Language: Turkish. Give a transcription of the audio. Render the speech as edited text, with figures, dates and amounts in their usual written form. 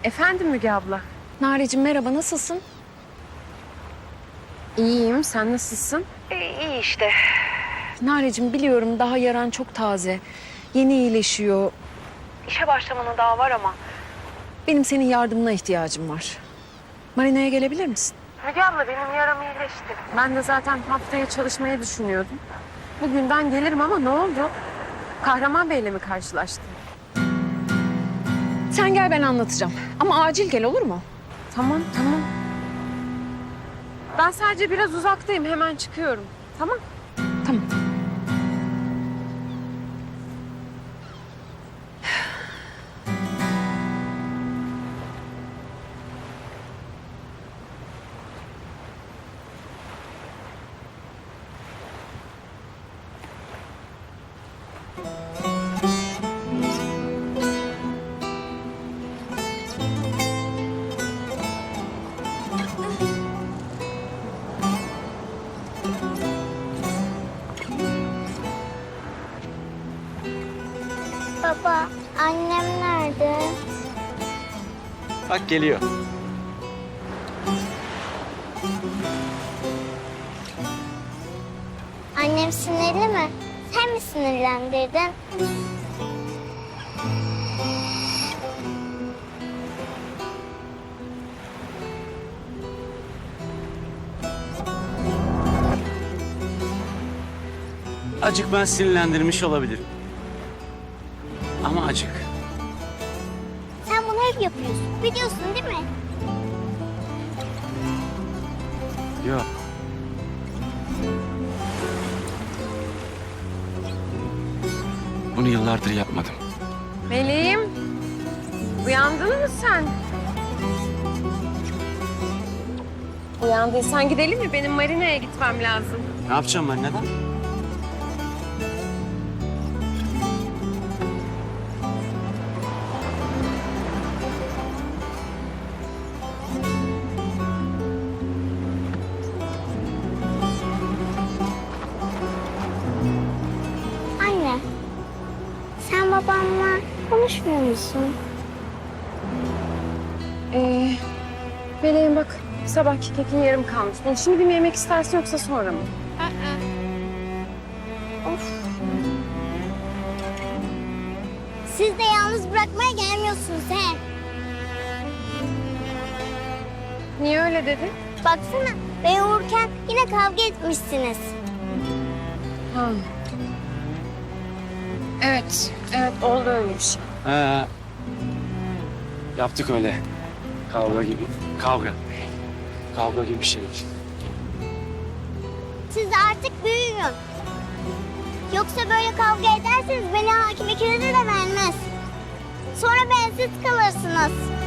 Efendim Müge abla. Nareciğim merhaba, nasılsın? İyiyim, sen nasılsın? İyi işte. Nareciğim biliyorum daha yaran çok taze. Yeni iyileşiyor. İşe başlamana daha var ama. Benim senin yardımına ihtiyacım var. Marina'ya gelebilir misin? Müge abla benim yaram iyileşti. Ben de zaten haftaya çalışmayı düşünüyordum. Bugünden gelirim ama ne oldu? Kahraman Bey'le mi karşılaştın? Sen gel, ben anlatacağım. Ama acil gel, olur mu? Tamam, tamam. Ben sadece biraz uzaktayım, hemen çıkıyorum. Tamam. Tamam. Baba, annem nerede? Bak geliyor. Annem sinirli mi? Sen mi sinirlendirdin? Acık ben sinirlendirmiş olabilirim. Ama acık. Sen bunu hep yapıyorsun. Biliyorsun değil mi? Yok. Bunu yıllardır yapmadım. Meleğim, uyandın mı sen? Uyandıysan gidelim mi? Benim Marina'ya gitmem lazım. Ne yapacağım ben, neden? Anne, sen babamla konuşmuyor musun? Meleğim bak, sabahki kekin yarım kalmış. Bunu şimdi mi yemek istersin yoksa sonra mı? Of. Siz de yalnız bırakmaya gelmiyorsunuz he. Niye öyle dedin? Baksana, ben uyurken yine kavga etmişsiniz. Ha. Evet, evet oldu öyle bir şey. Yaptık öyle. Kavga gibi. Kavga. Kavga gibi bir şey. Siz artık büyüyün. Yoksa böyle kavga ederseniz beni hakim ikinize de vermez. Sonra bensiz kalırsınız.